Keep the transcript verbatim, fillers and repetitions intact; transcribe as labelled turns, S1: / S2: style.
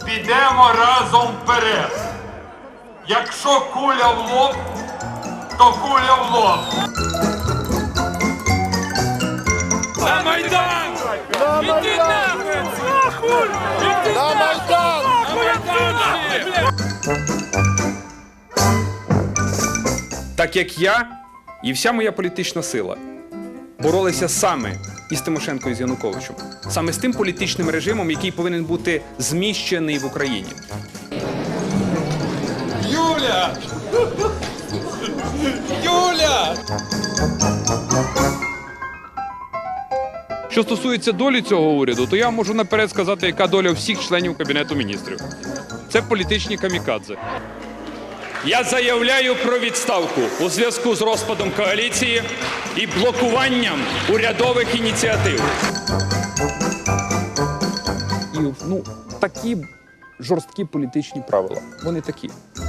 S1: підемо разом вперед. Якщо куля в лоб, то куля в лоб.
S2: На Майдан! Іди нахуй! Нахуй! Іди
S3: На Майдан!
S2: нахуй!
S4: Так як я і вся моя політична сила боролися саме із Тимошенко і з Януковичем, саме з тим політичним режимом, який повинен бути зміщений в Україні.
S2: Юля! Юля!
S5: Що стосується долі цього уряду, то я можу наперед сказати, яка доля всіх членів Кабінету міністрів. Це політичні камікадзе.
S4: Я заявляю про відставку у зв'язку з розпадом коаліції і блокуванням урядових ініціатив.
S5: І ну, такі жорсткі політичні правила. Вони такі.